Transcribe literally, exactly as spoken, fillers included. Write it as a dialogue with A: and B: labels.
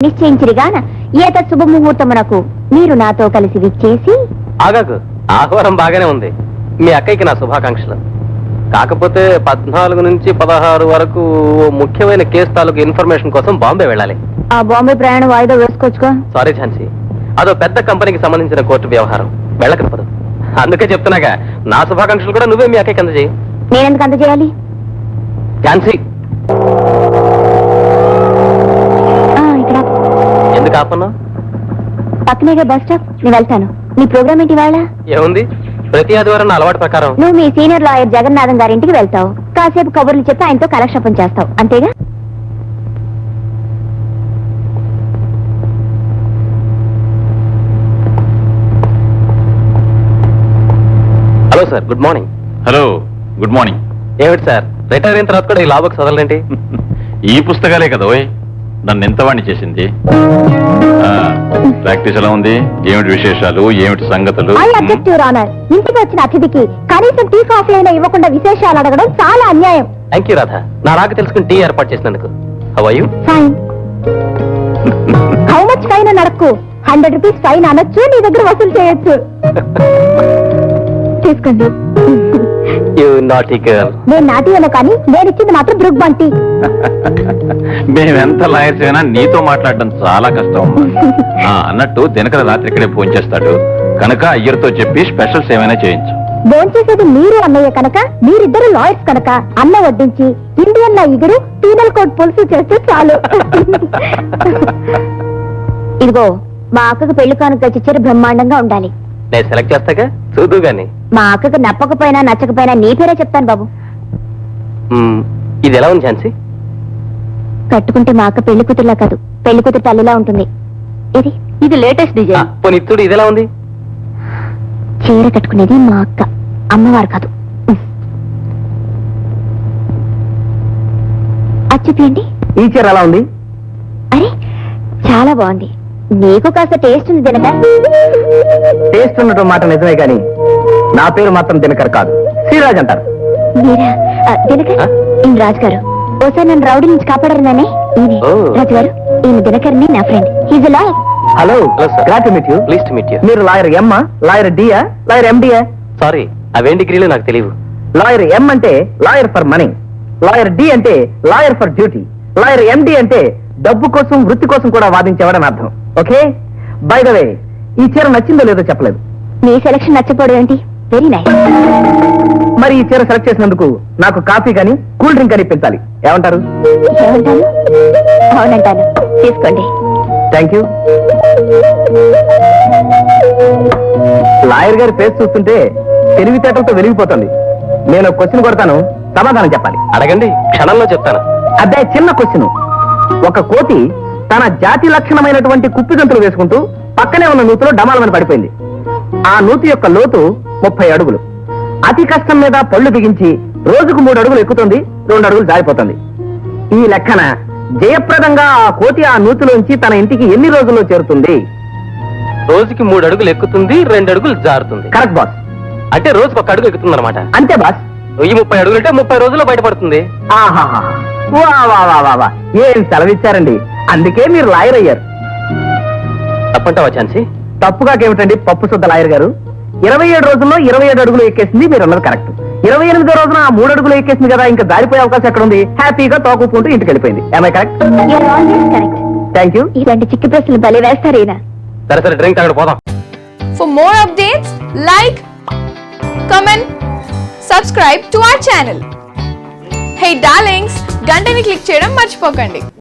A: నిశ్చయించిరిగాన ఏత శుభముహూర్తమునకు మీరు నాతో కలిసి విచ్చేసి.
B: ఆగాకు, ఆహ్వానం బాగానే ఉంది. మీ అక్కయ్యకి నా శుభాకాంక్షలు. కాకపోతే పద్నాలుగు నుంచి పదహారు వరకు ముఖ్యమైన కేసు తాలూకు ఇన్ఫర్మేషన్ కోసం బాంబే వెళ్ళాలి.
A: ఆ బాంబే ప్రయాణం వాయిదా వేసుకోవచ్చుగా.
B: సారీ ఝాన్సీ, అదో పెద్ద కంపెనీకి సంబంధించిన కోర్టు వ్యవహారం, వెళ్ళకపోదు. అందుకే చెప్తున్నాగా, నా శుభాకాంక్షలు కూడా నువ్వే మీ అక్కయ్యకి అందజేయి.
A: నేనెందుకు అందజేయాలి?
B: ఝాన్సీ,
A: ఇక్కడ
B: ఎందుకు ఆపన్నా?
A: పక్కనేగా బస్ స్టాప్, నేను వెళ్తాను. నీ ప్రోగ్రామ్ ఏంటి ఇవాళ?
B: ఏముంది, ప్రతి ఆదివారం నా అలవాటు ప్రకారం
A: నువ్వు మీ సీనియర్ లాయర్ జగన్నాథం గారింటికి వెళ్తావు. కాసేపు కబుర్లు చెప్పి ఆయనతో కాలక్షేపం చేస్తావు, అంతేగా?
B: Hello sir, good morning.
C: Hello, good morning.
B: ఏమిటి సార్, రిటైర్ అయిన తర్వాత కూడా ఈ లా బుక్స్ చదవలేంటి?
C: ఈ పుస్తకాలే కదా ఓయ్ నన్ను ఎంతవాణ్ణి చేసింది. ప్రాక్టీస్ ఎలా ఉంది? ఏమిటి విశేషాలు, ఏమిటి సంగతులు?
A: I object your honour. ఇంటికి వచ్చిన అతిథికి కనీసం టీ కాఫీ అయినా ఇవ్వకుండా విశేషాలు అడగడం చాలా అన్యాయం.
B: థ్యాంక్ యూ రాధా, నా రాక తెలుసుకుని టీ ఏర్పాటు చేసినందుకు. How are you?
A: Fine. How much fine అని అడక్కు. హండ్రెడ్ రూపీస్ ఫైన్ అనొచ్చు, నీ దగ్గర వసూలు చేయొచ్చు. తీసుకోండి.
B: You naughty girl.
A: నేను నాటి అను, కానీ నేను ఇచ్చింది మాత్రం బ్రుక్ బంటి.
C: మేమెంత లాయర్స్ అయినా నీతో మాట్లాడడం చాలా కష్టం. ఆ, అన్నట్టు దినకర రాత్రి ఇక్కడే ఫోన్ చేస్తాడు కనుక అయ్యర్తో చెప్పి స్పెషల్స్ ఏమైనా చేయించు.
A: భోంచేసేది మీరు అన్నయ్య కనుక, మీరిద్దరు లాయర్స్ కనుక అన్న వడ్డించి ఇండియన్ లా ఇగురు పీనల్ కోడ్ పులుసు చేస్తే చాలు. ఇదిగో, మా అక్కకు పెళ్లి కానుక చిచ్చర బ్రహ్మాండంగా ఉండాలి.
B: నేను సెలెక్ట్ చేస్తాగా, చూదు గాని.
A: మా అక్కకు నప్పకపోయినా నచ్చకపోయినా నీ పేరే చెప్తాను బాబు.
B: మ్మ్, ఇది ఎలా ఉంది ఝాన్సీ?
A: కట్టుకుంటే మా అక్క పెళ్లి కూతురులా కాదు, పెళ్లి కూతురు తల్లిలా ఉంటుంది. ఇది ఇది లేటెస్ట్ డిజైన్.
B: పోనీ ఇత్తుడు ఇది ఎలా ఉంది?
A: చీర కట్టుకునేది మా అక్క, అమ్మవారు కాదు. అచ్చిపోయండి.
B: ఈ చీర ఎలా ఉంది?
A: అరే, చాలా బాగుంది. నీకు కాస్త టేస్ట్ ఉంది దినక.
B: టేస్ట్ ఉండటం మాట నిజమే కానీ నా పేరు మాత్రం దినకర్ కాదు, శ్రీరాజ్ అంటారు.
A: మీరా? దినకర్, ఈయన రాజు గారు. ఓసారి నన్ను రౌడీ నుంచి కాపాడారనే. ఈయన రాజు గారు, ఈయన దినకర్ని నా friend. He's lawyer.
B: Hello, glad to meet you. Please to meet you. మీరు lawyer MA, lawyer DA, lawyer MDA? Sorry, అవేం డిగ్రీలు నాకు తెలియదు. లాయర్ ఎం అంటే lawyer for money, lawyer D అంటే lawyer for duty, lawyer MD అంటే డబ్బు కోసం వృత్తి కోసం కూడా వాదించేవాడని అర్థం. ఓకే, బై ద వే, ఈ చీర నచ్చిందో లేదో చెప్పలేదు.
A: మీ సెలక్షన్ నచ్చకపోవడం ఏంటి? Very nice.
B: మరి ఈ చీర సెలెక్ట్ చేసినందుకు నాకు కాఫీ కానీ కూల్ డ్రింక్ కానీ పెంచాలి. ఏమంటారు?
A: ఏమంటాను? అవునంటాను. తీసుకోండి.
B: Thank you. లాయర్ గారి ఫేస్ చూస్తుంటే తెలివితేటలతో వెలిగిపోతుంది. నేను క్వశ్చన్ కొడతాను, సమాధానం చెప్పాలి. అడగండి, క్షణంలో చెప్తాను. అదే చిన్న క్వశ్చన్. ఒక కోతి తన జాతి లక్షణమైనటువంటి కుప్పిగంతులు వేసుకుంటూ పక్కనే ఉన్న నూతిలో డమాలమని పడిపోయింది. ఆ నూతి యొక్క లోతు ముప్పై అడుగులు. అతి కష్టం మీద పళ్ళు బిగించి రోజుకు మూడు అడుగులు ఎక్కుతుంది, రెండు అడుగులు జారిపోతుంది. ఈ లెక్కన జయప్రదంగా ఆ కోతి ఆ నూతిలోంచి తన ఇంటికి ఎన్ని రోజుల్లో చేరుతుంది? రోజుకి మూడు అడుగులు ఎక్కుతుంది, రెండు అడుగులు జారుతుంది. Correct boss. అంటే రోజుకు ఒక అడుగు ఎక్కుతుంది అనమాట. అంతే బాస్. ఈ ముప్పై అడుగులు అంటే ముప్పై రోజుల్లో బయటపడుతుంది. ఆహాహా, వా వా వా వా వా, ఏం సెలవిచ్చారండి. అందుకే మీరు లాయర్ అయ్యారు. తప్పంటావా ఛాన్సీ? తప్పుగాకేమిటండి పప్పు శుద్ధ లాయర్ గారు. ఇరవై ఏడు రోజుల్లో ఇరవై ఏడు అడుగులు ఎక్కేసింది, మీరు అన్నది కరెక్ట్. ఇరవై ఎనిమిదో రోజున ఆ మూడు అడుగులు ఎక్కేసింది కదా, ఇంకా దారిపోయే అవకాశం ఎక్కడ ఉంది? హ్యాపీగా తోకుంటూ ఇంటికి వెళ్ళిపోయింది. ఏమై కరెక్ట్? Thank you.
A: ఇలాంటి చిక్కి ప్రశ్నలు భలే వేస్తారు ఈయన.
B: సరే సరే, డ్రింక్ తాగడం పోదాం.
D: For more updates like, comment, subscribe to our channel. Hey darlings, గంటని క్లిక్ చేయడం మర్చిపోకండి.